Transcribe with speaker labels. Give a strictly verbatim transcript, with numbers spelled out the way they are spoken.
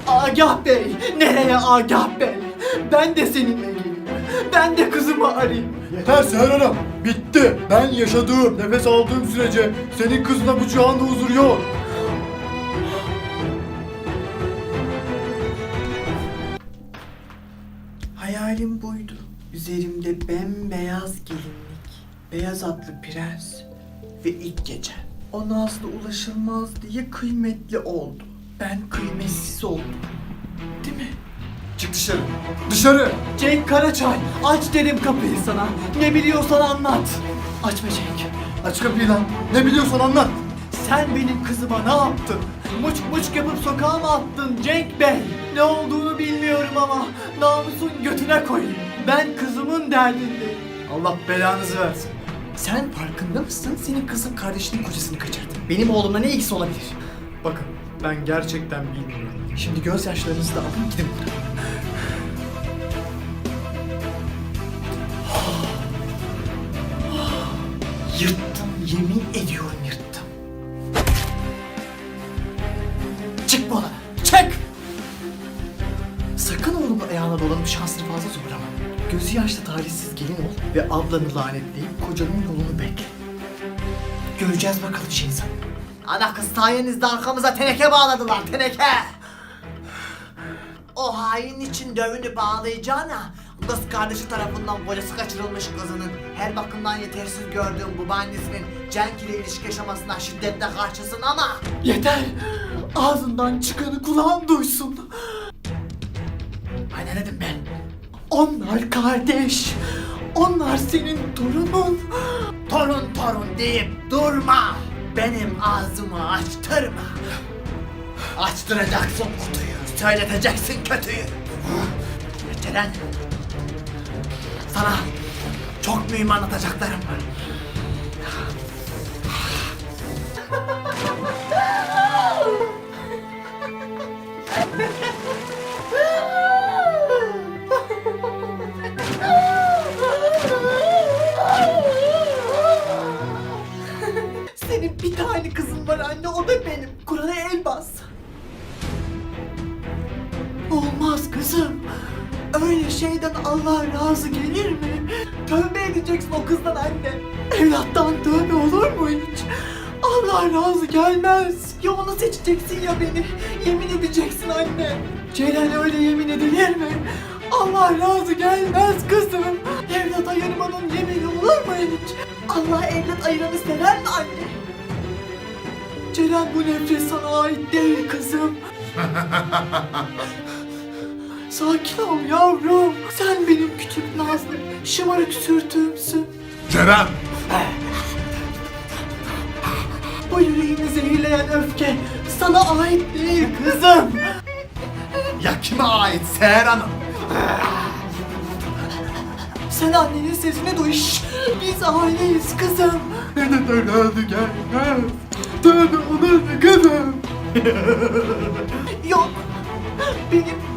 Speaker 1: Agah Bey, nereye Agah Bey? Ben de seninle geleyim. Ben de kızımı arayayım.
Speaker 2: Yeter Seher Hanım. Bitti. Ben yaşadığım, nefes aldığım sürece senin kızına bu cihanda huzur yok.
Speaker 1: Hayalim buydu. Üzerimde bembeyaz gelinlik, beyaz atlı prens ve ilk gece. O nazlı ulaşılmaz diye kıymetli oldu. Ben kıymetsiz oldum. Değil mi?
Speaker 2: Çık dışarı. Dışarı.
Speaker 1: Cenk Karaçay, aç dedim kapıyı sana. Ne biliyorsan anlat. Açma Cenk.
Speaker 2: Aç kapıyı lan. Ne biliyorsan anlat.
Speaker 1: Sen benim kızıma ne yaptın? Muç muç yapıp sokağa mı attın Cenk Bey? Ne olduğunu bilmiyorum ama namusun götüne koyayım. Ben kızımın derdindeyim.
Speaker 2: Allah belanızı versin.
Speaker 1: Sen farkında mısın? Senin kızın kardeşinin kocasını kaçırdı. Benim oğlumla ne ilgisi olabilir?
Speaker 2: Bakın ben gerçekten bilmiyorum.
Speaker 1: Şimdi gözyaşlarınızı da alın gidin buradan. Yırttım, yemin ediyorum yırttım. Çık bu odana, çık! Sakın oğlumun ayağına dolanıp şansını fazla zorlama. Gözü yaşlı talihsiz gelin ol ve ablanı lanetleyip kocanın yolunu bekle. Göreceğiz bakalım şeysan. Ana kız sayenizde arkamıza teneke bağladılar, teneke! O hain için dövünü bağlayacağına, kız kardeşi tarafından kocası kaçırılmış kızının her bakımdan yetersiz gördüğüm babaannesinin Cenk ile ilişki yaşamasına şiddetle karşısın ama... Yeter! Ağzından çıkanı kulağın duysun. Ay ne dedim ben? Onlar kardeş. Onlar senin torunun. Torun torun deyip durma. Benim ağzımı açtırma. Açtıracaksın kutuyu. Söyleteceksin kötüyü. Ceren. Sana çok mühim anlatacaklarım var. Senin bir tane kızın var anne, o da benim. Kur'an'a el bas. Olmaz kızım. Öyle şeyden Allah razı gelir mi? Tövbe edeceksin o kızdan anne. Evlattan tövbe olur mu hiç? Allah razı gelmez. Ya onu seçeceksin ya beni. Yemin edeceksin anne. Celal öyle yemin edilir mi? Allah razı gelmez kızım. Evlat ayırmanın yemini olur mu hiç? Allah evlat ayıranı sever mi anne? Celal bu nefret sana ait değil kızım. Sakin ol yavrum. Sen benim küçük nazlı, şımarık sürtüğümsün.
Speaker 2: Ceren!
Speaker 1: Bu yüreğimi zehirleyen öfke sana ait değil kızım.
Speaker 2: Ya kime ait Seher Hanım?
Speaker 1: Sen annenin sesini duy. Şşş! Biz aileyiz kızım.
Speaker 2: Neden evladı gelmez? Tövbe olur mu kızım?
Speaker 1: Yok. Benim